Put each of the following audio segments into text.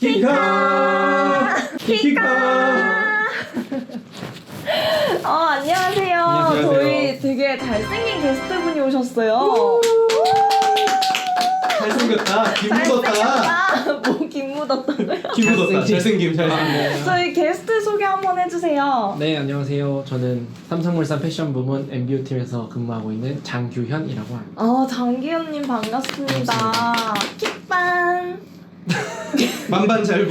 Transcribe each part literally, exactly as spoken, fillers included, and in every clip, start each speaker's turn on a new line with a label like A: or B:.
A: 키카!
B: 키카! 어, 안녕하세요.
A: 안녕하세요.
B: 저희 되게 잘생긴 게스트분이 오셨어요.
A: 잘생겼다. 김 묻었다.
B: 잘생겼다. 뭐 김묻었다.
A: 김 묻었다. 잘생김 잘생김.
B: 저희 게스트 소개 한번 해주세요.
C: 네, 안녕하세요. 저는 삼성물산 패션 부문 엠비오 팀에서 근무하고 있는 장규현이라고 합니다.
B: 아, 장기현님 반갑습니다. 킥반.
A: 만반잘부.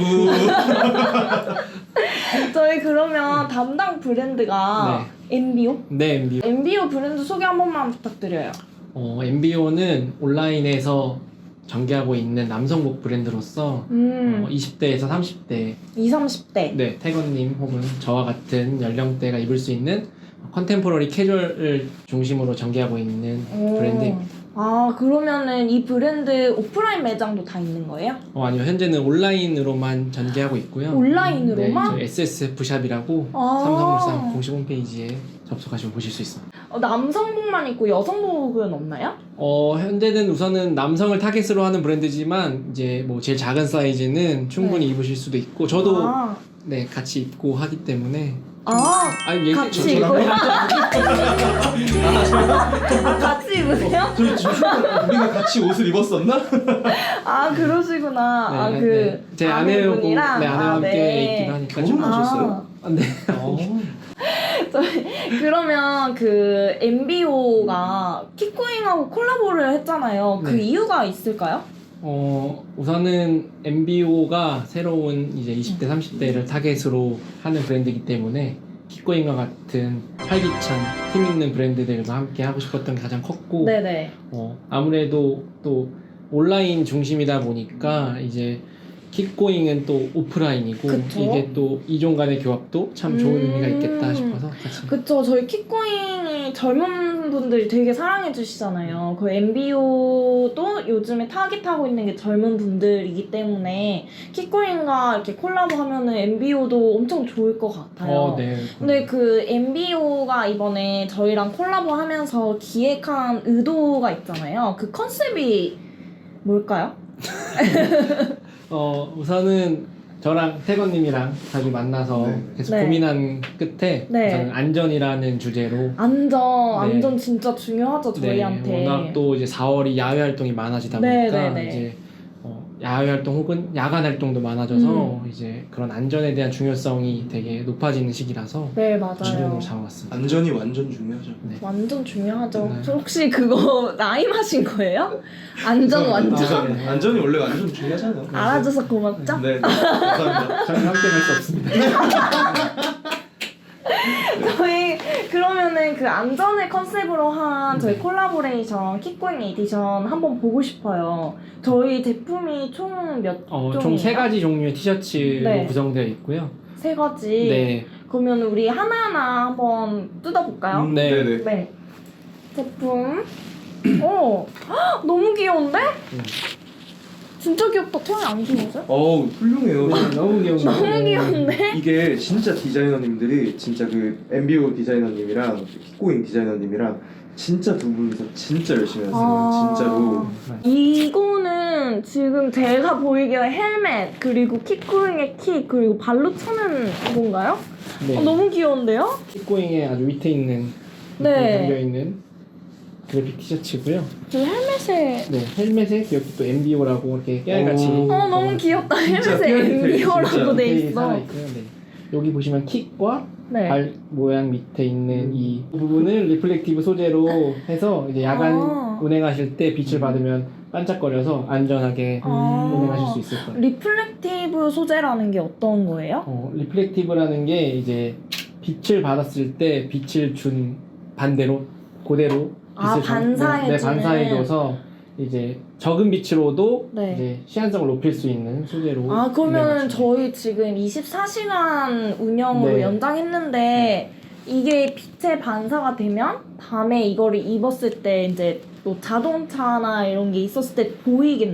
B: 저희 그러면 담당 브랜드가 엠비오?
C: 네, 엠비오.
B: 엠비오 브랜드 소개 한 번만 부탁드려요.
C: 어, 엠비오는 온라인에서 전개하고 있는 남성복 브랜드로서
B: 음,
C: 어, 이십 대에서 삼십 대,
B: 이십, 삼십 대.
C: 네, 태건님 혹은 저와 같은 연령대가 입을 수 있는 컨템포러리 캐주얼을 중심으로 전개하고 있는
B: 오.
C: 브랜드입니다.
B: 아, 그러면은 이 브랜드 오프라인 매장도 다 있는 거예요?
C: 어, 아니요, 현재는 온라인으로만 전개하고 있고요.
B: 온라인으로만?
C: 네, 저 에스에스에프샵이라고
B: 아.
C: 삼성물산 공식 홈페이지에 접속하시면 보실 수 있습니다.
B: 어, 남성복만 있고 여성복은 없나요?
C: 어, 현재는 우선은 남성을 타겟으로 하는 브랜드지만 이제 뭐 제일 작은 사이즈는 충분히
B: 네.
C: 입으실 수도 있고 저도
B: 아,
C: 네 같이 입고 하기 때문에
B: 아
C: 아니 얘기
B: 같이
C: 저-
B: 입고요?
C: 저랑-
B: 아, 같이 입으세요?
A: 저희 지금 우리가 같이 옷을 입었었나?
B: 아, 그러시구나.
C: 네,
B: 아,
C: 네,
B: 그
C: 네. 제 아내하고 네,
B: 아내분이랑?
C: 아내와
B: 아,
C: 함께
B: 네.
C: 입기도 하니까
A: 결혼하셨어요?
C: 아, 네.
A: 어.
B: 저희 그러면 그 엠비오가 킥고잉하고 콜라보를 했잖아요. 그
C: 네.
B: 이유가 있을까요?
C: 어, 우선은 엠비오가 새로운 이제 이십 대, 삼십 대를 타겟으로 하는 브랜드이기 때문에 킥고잉과 같은 활기찬 힘 있는 브랜드들과 함께 하고 싶었던 게 가장 컸고
B: 네네.
C: 어, 아무래도 또 온라인 중심이다 보니까 이제 킥고잉은 또 오프라인이고
B: 그쵸?
C: 이게 또 이종 간의 교합도 참 좋은
B: 음.
C: 의미가 있겠다 싶어서 같이
B: 그쵸. 저희 킥고잉이 젊은 분들이 되게 사랑해 주시잖아요. 그 엠비오도 요즘에 타깃하고 있는 게 젊은 분들이기 때문에 킥고잉과 이렇게 콜라보 하면은 엠비오도 엄청 좋을 것 같아요.
C: 어, 네.
B: 근데 그 엠비오가 이번에 저희랑 콜라보 하면서 기획한 의도가 있잖아요. 그 컨셉이 뭘까요?
C: 어, 우선은 저랑 태건님이랑 자주 만나서
A: 네.
C: 계속
B: 네.
C: 고민한 끝에
B: 네.
C: 우선 안전이라는 주제로
B: 안전,
C: 네.
B: 안전 진짜 중요하죠, 저희한테.
C: 네, 워낙 또 이제 사월이 야외 활동이 많아지다
B: 네,
C: 보니까
B: 네, 네.
C: 이제 어, 야외 활동 혹은 야간 활동도 많아져서
B: 음.
C: 이제 그런 안전에 대한 중요성이 되게 높아지는 시기라서
B: 네,
C: 주제로
B: 맞아요.
C: 잡아왔습니다.
A: 안전이 완전 중요하죠.
C: 네.
B: 완전 중요하죠.
C: 네.
B: 저 혹시 그거 라임하신 거예요? 안전 완전?
C: 아, 네.
A: 안전이 원래 완전 중요하잖아요.
B: 알아줘서 고맙죠?
A: 네, 네. 감사합니다.
C: 저는 함께 갈 수 없습니다.
B: 저희 그러면은 그 안전을 컨셉으로 한 저희 콜라보레이션 킥고잉 에디션 한번 보고 싶어요. 저희 제품이 총 몇
C: 어,
B: 종이에요?
C: 총 세 가지 종류의 티셔츠로
B: 네.
C: 구성되어 있고요.
B: 세 가지.
C: 네.
B: 그러면 우리 하나하나 한번 뜯어볼까요?
A: 음,
C: 네.
A: 네네.
B: 네. 제품. 오, 헉, 너무 귀여운데?
C: 음.
B: 진짜 귀엽다. 태양이 안 귀여워져?
A: 어우 훌륭해요.
C: 너무 귀여운 거.
B: 너무 귀여운데?
A: 이게 진짜 디자이너님들이 진짜 그 엠비오 디자이너님이랑 킥고잉 디자이너님이랑 진짜 두 분이서 진짜 열심히 하세요.
B: 아.
A: 진짜로.
B: 이거는 지금 제가 보이기에 헬멧 그리고 킥고잉의 킥 그리고 발로 차는 건가요?
C: 네.
B: 어, 너무 귀여운데요?
C: 킥고잉의 아주 밑에 있는
B: 네.
C: 담겨 있는 그래픽 티셔츠고요.
B: 저 헬멧에
C: 네, 헬멧에 여기 또 엠비오라고 이렇게 깨알같이
A: 오.
B: 어 너무 귀엽다.
A: 진짜
B: 헬멧에
A: 깨알같아,
B: 엠비오라고
A: 진짜.
B: 돼
C: 디테일이
B: 있어.
C: 살아있고요. 네. 여기 보시면 킥과
B: 네.
C: 발 모양 밑에 있는 이 부분을 리플렉티브 소재로 해서 이제 야간
B: 아.
C: 운행하실 때 빛을 받으면 반짝거려서 안전하게
B: 아.
C: 운행하실 수 있을 거예요.
B: 리플렉티브 소재라는 게 어떤 거예요?
C: 어, 리플렉티브라는 게 이제 빛을 받았을 때 빛을 준 반대로 그대로 빛을
B: 아,
C: 전-
B: 반사해주는.
C: 네, 반사해줘서 이제 적은 빛으로도
B: 네.
C: 이제 시한성을 높일 수 있는 소재로
B: 아 그러면
C: 운행하시면
B: 저희 지금 이십사 시간 운영으로
C: 네.
B: 연장했는데 이게 빛의 반사가 되면 밤에 이거를 입었을 때 이제 뭐 자동차나 이런 게 있었을 때 보이겠네요?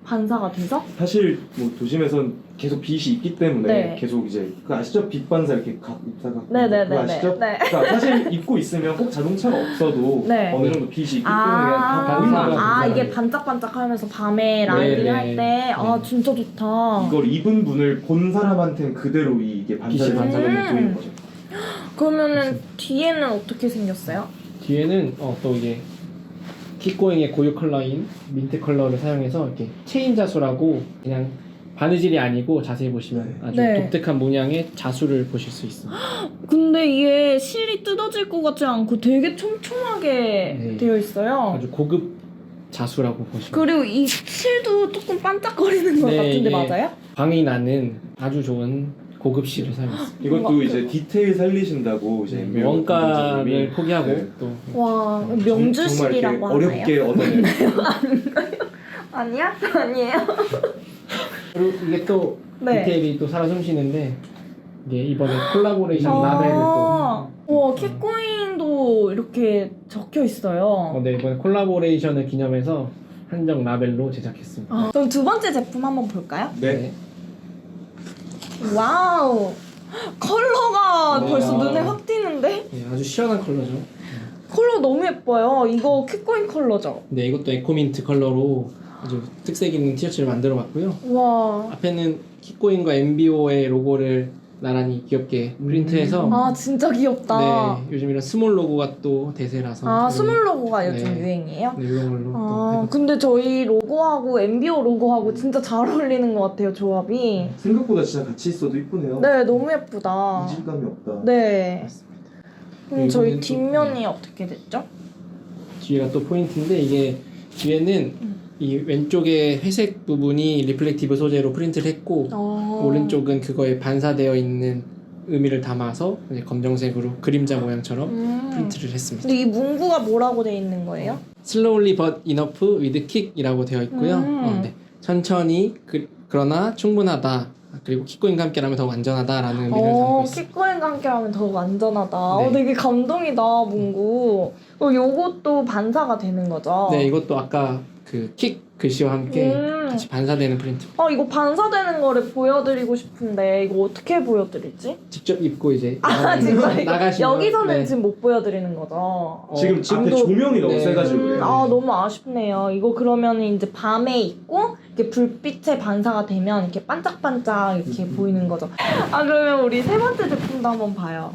B: 반사가 돼서?
A: 사실 뭐 도심에선 계속 빛이 있기 때문에
B: 네.
A: 계속 이제 그 아시죠? 빛 반사 이렇게 각 입사가
B: 네네네네.
A: 그거 아시죠?
B: 네.
A: 그러니까 사실 입고 있으면 꼭 자동차가 없어도
B: 네.
A: 어느 정도 빛이 있기 때문에
B: 아,
A: 다 보이는 거죠.
B: 아
A: 그
B: 이게
A: 사람이.
B: 반짝반짝하면서 밤에 라이딩
C: 네,
B: 할
C: 네.
B: 때, 아
C: 네.
B: 진짜 좋다.
A: 이걸 입은 분을 본 사람한테는 그대로 이게 반사를
C: 빛이
A: 반사되는
B: 음.
A: 보이는 거죠.
B: 그러면은 뒤에는 어떻게 생겼어요?
C: 뒤에는 어, 또 이게 킥고잉의 고유 컬러인 민트 컬러를 사용해서 이렇게 체인 자수라고 그냥 바느질이 아니고 자세히 보시면
A: 네.
C: 아주
B: 네.
C: 독특한 모양의 자수를 보실 수 있습니다.
B: 근데 이게 실이 뜯어질 것 같지 않고 되게 촘촘하게
C: 네.
B: 되어 있어요.
C: 아주 고급 자수라고 보시면
B: 그리고 이 실도 조금 반짝거리는 것
C: 네,
B: 같은데
C: 이게
B: 맞아요?
C: 광이 나는 아주 좋은 고급 실을 사용했습니다.
A: 이것도
B: 뭔가
A: 이제 디테일 살리신다고 이제 엠비오
C: 원가를
A: 관계자님이
C: 포기하고
A: 네.
C: 또
B: 와
A: 정- 정말
B: 명주실이라고
A: 이렇게
B: 하나요?
A: 어렵게 얻어낸
B: 아니야? 아니에요?
C: 그리고 이게 또
B: 네.
C: 디테일이 또 살아 숨쉬는데 이게 이번에 콜라보레이션 라벨을
B: 아,
C: 또
B: 와 킥고잉도 이렇게 적혀 있어요.
C: 어, 네, 이번에 콜라보레이션을 기념해서 한정 라벨로 제작했습니다.
B: 아, 그럼 두 번째 제품 한번 볼까요?
A: 네.
B: 와우 컬러가
C: 와.
B: 벌써 눈에 확 띄는데?
C: 네, 아주 시원한 컬러죠.
B: 컬러 너무 예뻐요. 이거 킥고잉 컬러죠?
C: 네, 이것도 에코민트 컬러로 아주 특색 있는 티셔츠를 만들어 봤고요.
B: 와.
C: 앞에는 킥고잉과 엠비오의 로고를 나란히 귀엽게 프린트해서
B: 아 진짜 귀엽다.
C: 네, 요즘 이런 스몰 로고가 또 대세라서
B: 아
C: 이런-
B: 스몰 로고가 요즘
C: 네.
B: 유행이에요?
C: 네, 이런 걸로 또
B: 아
C: 해봤죠.
B: 근데 저희 로고하고 엠비오 로고하고 진짜 잘 어울리는 것 같아요 조합이.
A: 생각보다 진짜 같이 있어도 이쁘네요.
B: 네 너무 예쁘다.
A: 이질감이 없다.
B: 네.
C: 맞습니다.
B: 그럼 저희
C: 이거는 또-
B: 뒷면이 어떻게 됐죠?
C: 뒤에가 또 포인트인데 이게 뒤에는
B: 음.
C: 이 왼쪽에 회색 부분이 리플렉티브 소재로 프린트를 했고
B: 어...
C: 오른쪽은 그거에 반사되어 있는 의미를 담아서 이제 검정색으로 그림자 모양처럼
B: 음.
C: 프린트를 했습니다.
B: 근데 이 문구가 뭐라고 돼 있는 거예요?
C: Slowly but enough with kick이라고 되어 있고요.
B: 음.
C: 어, 네. 천천히 그, 그러나 충분하다. 그리고 킥고잉과 함께라면 더 완전하다라는 의미를 담고
B: 어,
C: 있습니다.
B: 킥고잉과 함께하면 더욱 안전하다.
C: 네.
B: 어, 되게 감동이다, 문구. 어, 요것도 반사가 되는 거죠?
C: 네, 이것도 아까 그 킥 글씨와 함께
B: 음.
C: 같이 반사되는 프린트.
B: 어, 이거 반사되는 거를 보여드리고 싶은데, 이거 어떻게 보여드리지?
C: 직접 입고 이제
B: 아,
C: 나가시면-
B: 진짜 이거
C: 나가시면
B: 여기서는
C: 네.
B: 지금 못 보여드리는 거죠?
C: 어,
A: 지금 앞에
C: 지금도-
A: 조명이 너무
C: 네.
A: 세가지고
B: 음,
A: 그래요.
B: 아, 너무 아쉽네요. 이거 그러면 이제 밤에 입고, 이렇게 불빛에 반사가 되면 이렇게 반짝반짝 이렇게
C: 음.
B: 보이는 거죠. 아, 그러면 우리 세 번째 제품도 한번 봐요.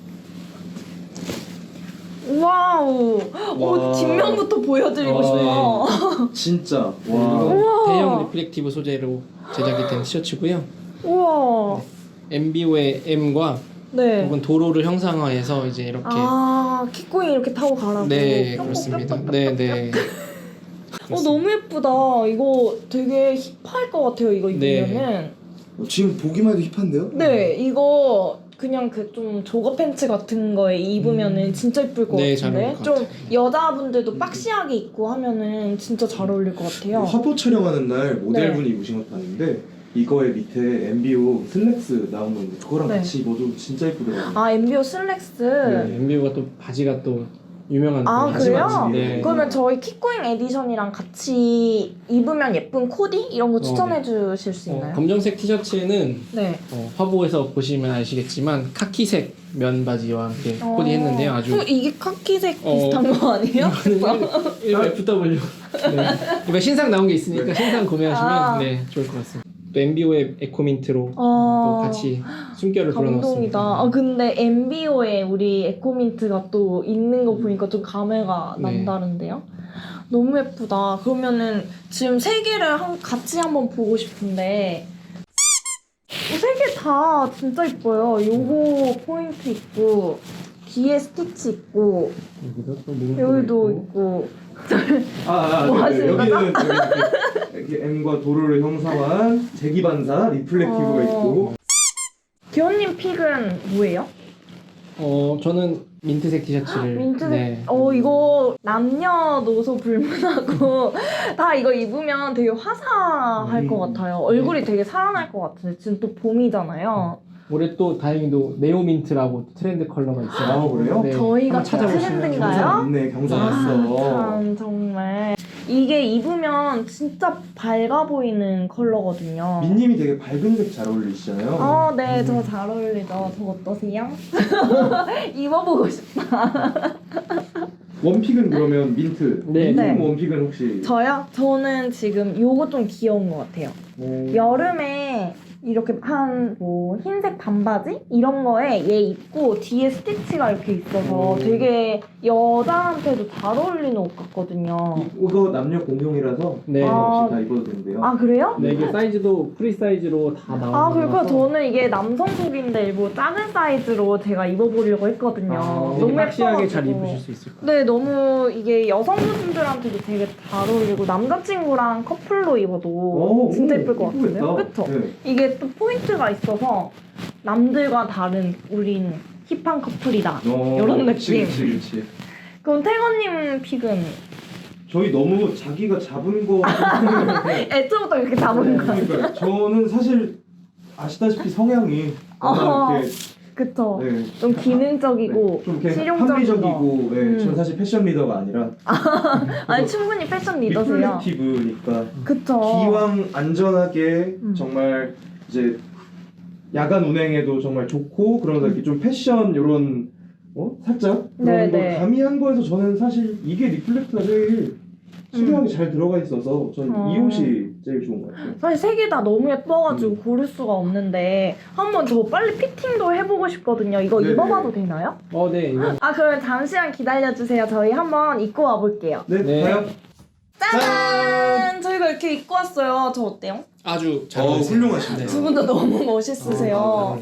B: 와우. 오,
A: 와.
B: 뒷면부터 보여드리고
A: 와.
B: 싶어.
A: 진짜 와.
C: 이건
B: 우와.
C: 대형 리플렉티브 소재로 제작이 된 티셔츠고요.
B: 우와.
C: 엠비오의 M과
B: 네.
C: 혹은 도로를 형상화해서 이제 이렇게
B: 아, 킥고잉 이렇게 타고 가라고.
C: 네
B: 뿅뿅뿅뿅뿅.
C: 그렇습니다. 네 네.
B: 어, 너무 예쁘다. 이거 되게 힙할 것 같아요, 이거
C: 네.
B: 입으면은.
A: 지금 보기만 해도 힙한데요?
B: 네, 이거 그냥 그 좀 조거 팬츠 같은 거에 입으면은 진짜 예쁠 것
C: 네, 잘
B: 같은데.
C: 어울릴 것
B: 좀
C: 같아요.
B: 여자분들도 박시하게 입고 하면은 진짜 잘 어울릴 것 같아요.
A: 화보 촬영하는 날 모델분이
B: 네.
A: 입으신 것도 아닌데 이거에 밑에 엠비오 슬랙스 나온 건데 그거랑
B: 네.
A: 같이 입어도 진짜 이쁘더라고요.
B: 아, 엠비오 슬랙스.
C: 네, 엠비오가 또 바지가 또 유명한
B: 아,
C: 바지
B: 그래요?
C: 맞지? 네.
B: 그러면 저희 킥고잉 에디션이랑 같이 입으면 예쁜 코디? 이런 거 추천해 주실 수
C: 어,
B: 있나요?
C: 검정색 티셔츠는
B: 네.
C: 어, 화보에서 보시면 아시겠지만 카키색 면 바지와 함께
B: 어.
C: 코디했는데요. 아주
B: 어, 이게 카키색
C: 어.
B: 비슷한 거 아니에요?
C: 이거 에프더블유. 네. 이번 신상 나온 게 있으니까 신상 구매하시면
B: 아.
C: 네 좋을 것 같습니다. 또 엠비오의 에코민트로
B: 어...
C: 또 같이 숨결을
B: 감동이다.
C: 불어넣었습니다.
B: 아 근데 엠비오에 우리 에코민트가 또 있는 거 보니까 좀 감회가
C: 네.
B: 남다른데요? 너무 예쁘다. 그러면은 지금 세 개를 한, 같이 한번 보고 싶은데 세 개 다 진짜 예뻐요. 요거 포인트 있고 뒤에 스티치 있고
C: 여기도 또 문구가
B: 여기도
C: 있고.
B: 있고
A: 아, 아,
B: 뭐
A: 네, 네.
B: 하시는
A: 여기는 이렇게, 이렇게 M과 도로를 형상화한 재기반사 리플렉티브가
B: 어.
A: 있고
B: 기현님 픽은 뭐예요?
C: 어 저는 민트색 티셔츠를
B: 민트색.
C: 네.
B: 어 이거 남녀노소 불문하고 다 이거 입으면 되게 화사할
A: 음.
B: 것 같아요. 얼굴이 되게 살아날 것 같은데 지금 또 봄이잖아요.
C: 올해 또 다행히도 네오민트라고 트렌드 컬러가 있어요.
A: 아, 그래요?
C: 네,
B: 저희가
C: 한번 찾아보시면
B: 트렌드인가요?
A: 경상 있네 경상
B: 아,
A: 왔어.
B: 참 정말 이게 입으면 진짜 밝아 보이는 컬러거든요.
A: 민님이 되게 밝은 색 잘 어울리시잖아요.
B: 어, 네, 저 잘 어울리죠. 저 어떠세요? 입어보고 싶다.
A: 원픽은 그러면 민트.
C: 네.
A: 민님
B: 네.
A: 원픽은 혹시?
B: 저요? 저는 지금 요거 좀 귀여운 것 같아요.
A: 오.
B: 여름에 이렇게 한 뭐 흰색 반바지 이런 거에 얘 입고 뒤에 스티치가 이렇게 있어서
A: 음.
B: 되게 여자한테도 잘 어울리는 옷 같거든요.
A: 이- 이거 남녀 공용이라서
C: 네.
A: 상관없이
B: 아.
A: 다 입어도 된대요.
B: 아 그래요?
C: 네, 이게 사이즈도 프리 사이즈로 다 나오는
B: 아 그러니까
C: 거라서
B: 저는 이게 남성복인데 일부 작은 사이즈로 제가 입어보려고 했거든요.
C: 아,
B: 너무
C: 박시하게
B: 예뻐가지고.
C: 잘 입으실 수 있을 거예요.
B: 네, 너무 이게 여성분들한테도 되게 잘 어울리고 남자친구랑 커플로 입어도
A: 오,
B: 진짜
A: 오,
B: 예쁠 것 같은데요?
A: 예쁘겠다.
B: 그쵸?
A: 네.
B: 이게 또 포인트가 있어서 남들과 다른 우린 힙한 커플이다.
A: 어,
B: 요런
A: 그치,
B: 느낌.
A: 그치, 그치.
B: 그럼 태건님 픽은
A: 저희 너무 자기가 잡은 거.
B: 애초부터 이렇게 잡은 거.
A: 그러니까 저는 사실 아시다시피 성향이 워낙
B: 어,
A: 이렇게
B: 그쵸?
A: 네,
B: 좀 기능적이고
A: 네, 좀 이렇게
B: 실용적인
A: 합리적이고, 네,
B: 음.
A: 전 사실 패션 리더가 아니라
B: 아니 충분히 패션 리더세요.
A: 리플렉티브니까
B: 그쵸?
A: 기왕 안전하게
B: 음.
A: 정말 이제 야간 운행에도 정말 좋고 그러면서 이렇게 좀 패션 요런 어? 살짝 그런 걸
B: 네네.
A: 가미한 거에서 저는 사실 이게 리플렉트가 제일 수려하게 잘 들어가 있어서 저는
B: 어.
A: 이 옷이 제일 좋은 것 같아요.
B: 사실 세 개 다 너무 예뻐가지고
A: 음.
B: 고를 수가 없는데 한번 저 빨리 피팅도 해보고 싶거든요. 이거
A: 네네.
B: 입어봐도 되나요?
C: 어, 네, 이거
B: 아 그러면 잠시만 기다려주세요. 저희 한번 입고 와볼게요.
A: 네,
C: 네.
A: 가요?
B: 짜잔! 저희가 이렇게 입고 왔어요. 저 어때요?
C: 아주 잘
A: 어,
C: 어울리세요.
A: 훌륭하시네요.
B: 두 분 다 너무 멋있으세요.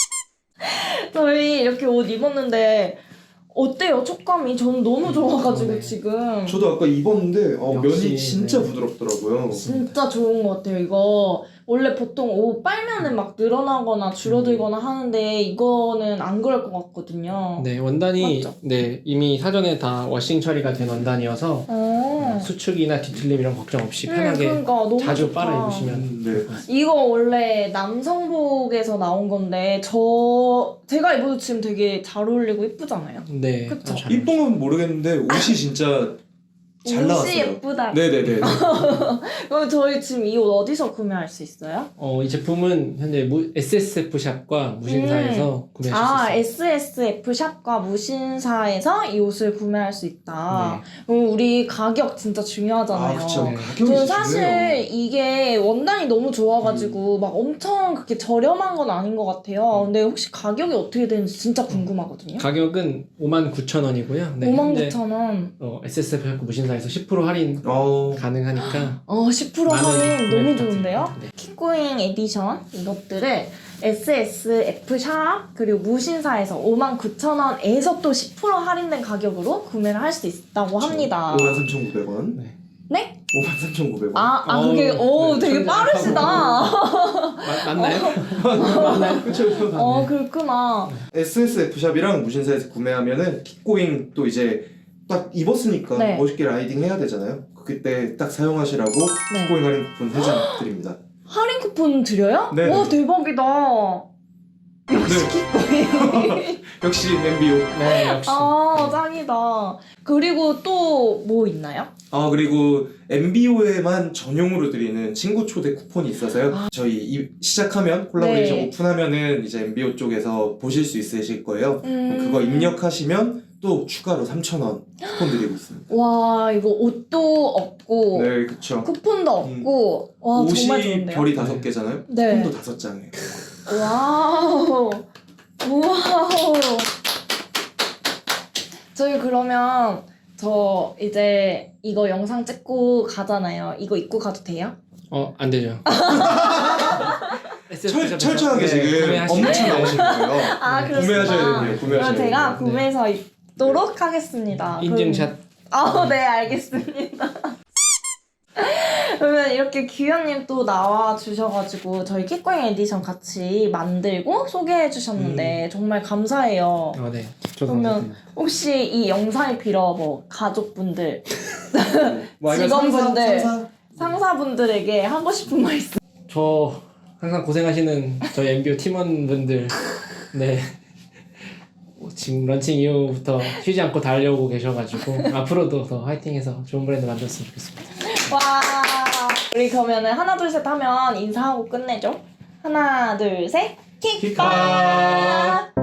B: 저희 이렇게 옷 입었는데 어때요? 촉감이? 저는 너무 좋아가지고
C: 네.
B: 지금
A: 저도 아까 입었는데 어,
C: 역시,
A: 면이 진짜
C: 네.
A: 부드럽더라고요.
B: 진짜 좋은 것 같아요. 이거 원래 보통 옷 빨면은 막 늘어나거나 줄어들거나 하는데 이거는 안 그럴 것 같거든요.
C: 네, 원단이
B: 맞죠?
C: 네 이미 사전에 다 워싱 처리가 된 원단이어서
B: 어.
C: 수축이나 뒤틀림 이런 걱정 없이
B: 음,
C: 편하게
B: 그러니까 너무
C: 자주
B: 좋다.
C: 빨아 입으시면
A: 음,
C: 될
A: 네.
C: 것 같습니다.
B: 이거 원래 남성복에서 나온 건데 저 제가 입어도 지금 되게 잘 어울리고 예쁘잖아요.
C: 네,
B: 그쵸?
C: 아주 잘
A: 이쁜 건 모르겠는데 옷이 진짜 잘
B: 옷이
A: 나왔어요.
B: 예쁘다.
A: 네네네.
B: 그럼 저희 지금 이 옷 어디서 구매할 수 있어요?
C: 어, 이 제품은 현재 무, 에스에스에프 샵과 무신사에서 구매하실
B: 아,
C: 수 있어요.
B: 에스에스에프 샵과 무신사에서 이 옷을 구매할 수 있다.
C: 네.
B: 그럼 우리 가격 진짜 중요하잖아요.
A: 아 그쵸.
C: 네.
A: 가격이
B: 저는 사실
A: 중요해요.
B: 이게 원단이 너무 좋아가지고
A: 음.
B: 막 엄청 그렇게 저렴한 건 아닌 것 같아요. 근데 혹시 가격이 어떻게 되는지 진짜 궁금하거든요.
C: 가격은 오만 구천 원이고요. 네,
B: 오만
C: 현재
B: 구천 원.
C: 어, 에스에스에프 샵과 무신사에서 십 퍼센트 할인
A: 어,
C: 가능하니까
B: 어, 십 퍼센트
C: 많은
B: 할인
C: 구매
B: 너무
C: 부탁드립니다.
B: 좋은데요?
C: 네.
B: 킥고잉 에디션 이것들을 에스에스에프 샵 그리고 무신사에서 오만 구천 원에서 또 십 퍼센트 할인된 가격으로 구매를 할 수 있다고 합니다.
A: 오만 삼천구백 원.
C: 네.
B: 네?
A: 오만 삼천구백 원.
B: 아, 아
C: 어우,
B: 그게 오
C: 네,
B: 되게
C: 천재.
B: 빠르시다.
C: 마, 맞나요? 맞나요? 그쵸, 그쵸.
B: 어
C: 네.
B: 그렇구나.
A: 에스에스에프 샵이랑 무신사에서 구매하면은 킥고잉 또 이제 딱 입었으니까
B: 네.
A: 멋있게 라이딩 해야 되잖아요. 그때 딱 사용하시라고
B: 네.
A: 킥고잉 할인 쿠폰 세 장 드립니다.
B: 할인 쿠폰 드려요?
A: 네.
B: 와 대박이다. 역시 킥고잉.
A: 역시 엠비오.
C: 네, 역시.
B: 아 짱이다. 그리고 또 뭐 있나요?
A: 아 그리고 엠비오에만 전용으로 드리는 친구 초대 쿠폰이 있어서요. 저희 이, 시작하면 콜라보레이션
B: 네.
A: 오픈하면은 이제 엠비오 쪽에서 보실 수 있으실 거예요.
B: 음.
A: 그거 입력하시면 또 추가로 삼천 원 쿠폰 드리고 있습니다.
B: 와 이거 옷도 없고
A: 네, 그쵸.
B: 쿠폰도 없고 와 정말
A: 옷이
B: 좋은데요?
A: 별이 다섯 개잖아요.
B: 네.
A: 쿠폰도 다섯 장이에요.
B: 와우 와우 저희 그러면 저 이제 이거 영상 찍고 가잖아요. 이거 입고 가도 돼요?
C: 어, 안 되죠.
A: 철, 철저하게 지금
C: 구매하시면
A: 업무차
C: 돼요.
A: 나오실 거예요.
B: 아,
A: 네,
B: 그렇구나.
A: 구매하셔야 돼요. 구매하셔야
B: 그럼 제가
A: 돼요.
B: 구매해서 입도록 하겠습니다.
C: 인증샷.
B: 아, 네, 알겠습니다. 그러면 이렇게 규현님 또 나와 주셔가지고 저희 킥고잉 에디션 같이 만들고 소개해 주셨는데 정말 감사해요.
C: 어, 네. 저도
B: 그러면
C: 감사드립니다.
B: 혹시 이 영상을 빌어 뭐 가족분들,
A: 뭐 아니면
B: 직원분들.
A: 상사, 상사?
B: 상사분들에게 하고 싶은 말 있어요?
C: 지금 런칭 이후부터 쉬지 않고 달려오고 계셔가지고 앞으로도 더 화이팅해서 좋은 브랜드 만들었으면 좋겠습니다.
B: 와. 우리 그러면은 하나 둘 셋 하면 인사하고 끝내죠. 하나 둘 셋. 킥바.
C: 킥바.